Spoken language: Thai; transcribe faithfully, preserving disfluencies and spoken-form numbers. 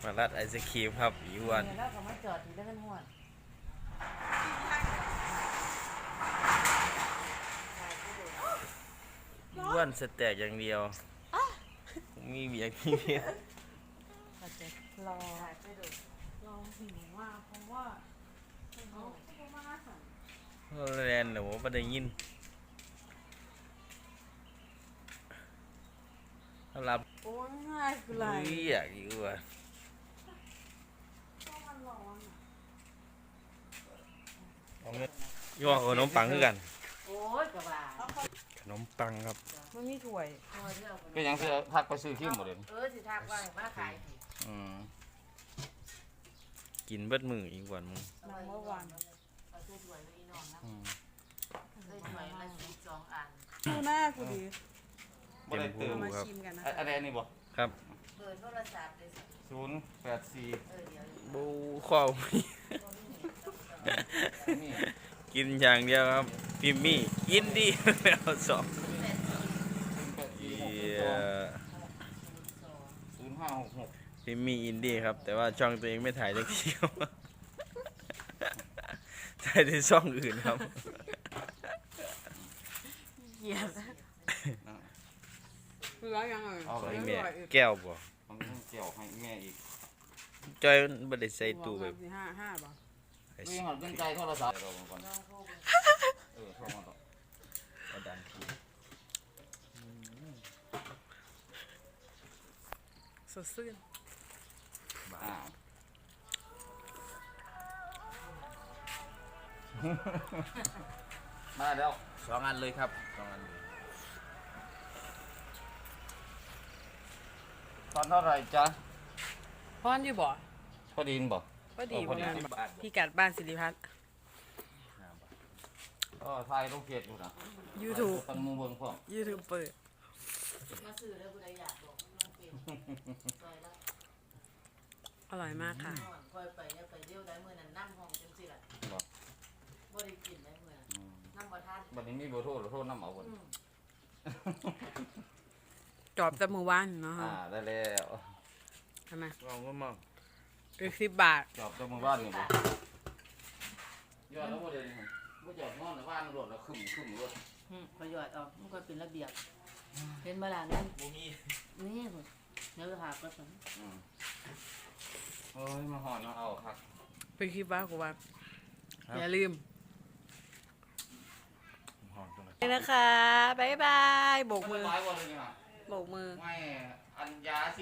มารัดไอศครีมครับอีวันแล้วก็มาจอดที่เดินหัวอีวันสแต็กอย่างเดียวมีเบียร์ที่เดียวก็จะรอรอหิวมากเพราะว่าเขาเขามาสั่งแลนด์หนูไม่ได้ยินรับโอ้ยง่ายคือไรเรียกอีวันก็มันร้อนอ่ะย่อขนมปังคือกันโอ้ยกระบาขนมปังครับมันมีถ้วยก็ยังสิทักไปซื้อขี้หมดเลยเออสิทักว่ามาขายอืมกินเบิดมืออีกวันมึงน้ำเมื่อวานเอาถ้วยถ้วยไว้อีน้องนะอืมถ้วยถ้วยละสิบสองอันดูหน้ากูดีบ่ได้เติมมาครับชิมกันนะอะอะไรอันนี้บ่ครับเปิดโทรศัพท์เลยสิศูนย์แปดสี่เออเดี๋ยวบูข้าวนี่กินอย่างเดียวครับพิมมี่กินดีแล้วสองแปดสี่หกเหี้สยองศูนย์ห้าหกหกพิมมี่อินดี้ครับ แต่ว่าช่องตัวเองไม่ถ่ายสักทีครับ ถ่ายในช่องอื่นครับเกลียดคือร้านยังไงเอาไปไอแม่แก้วบ่ผมต้องเกี่ยวให้แม่อีกจอยบ่ได้ใส่ตู้แบบห้าห้าป่ะไอ้นี่หันเป็นใจโทรศัพท์เราก่อนน้องโทรไปเออโทรมาต่อเอาดันทีสดชื่นอ่ามาแล้วสองอันเลยครับสองอันเลยตอนเท่าไหร่จ๊ะพอนอยู่บ่พอดีนบ่พอดีเออพอดีประมาณสิบบาทพี่กัดบ้านสิริพัฒน์ก็ถ่ายรูปเกียรติอยู่นะยูทูบตั้งมือเบิ่งพร้อมยูทูบเปิดมาซื้อแล้วกูได้อยากบอกน้องเปลี่ยนซอยละอร่อยมากค่ะนอนคอยไปเนี่ยไปเรียวได้เมื่อนั้นนั่งห้องจังสิล่ะบ่บ่ได้กินได้เมื่อนั้นอืมนั่งบ่ทันบัดนี้มีเบอร์โทรหรือโทรน้ำเอาบ่อืมจอบจมูกว่านเนาะอ่าได้แล้วทำไมลองก็มองอีกสิบบาทจอบจมูกบ้านนี่บ่ยอดแล้วบ่ได้นี่บ่จอบนอนในบ้านรถแล้วขึ้นขึ้นรถอืมพอยอดออกมันก็เป็นระเบียบเห็นบ่ล่ะนั่นบ่มีนี่พุ่นเนื้อหาก็สั่งอืมเฮ้ยมาหอนมาเอาครับไปคลิปว่ากูว่าอย่าลืมหอมตรงไหนนี่นะคะ บ๊ายบายโบกมือไม้วันเลยนี่ฮะโบกมือไม่อัญญาสิ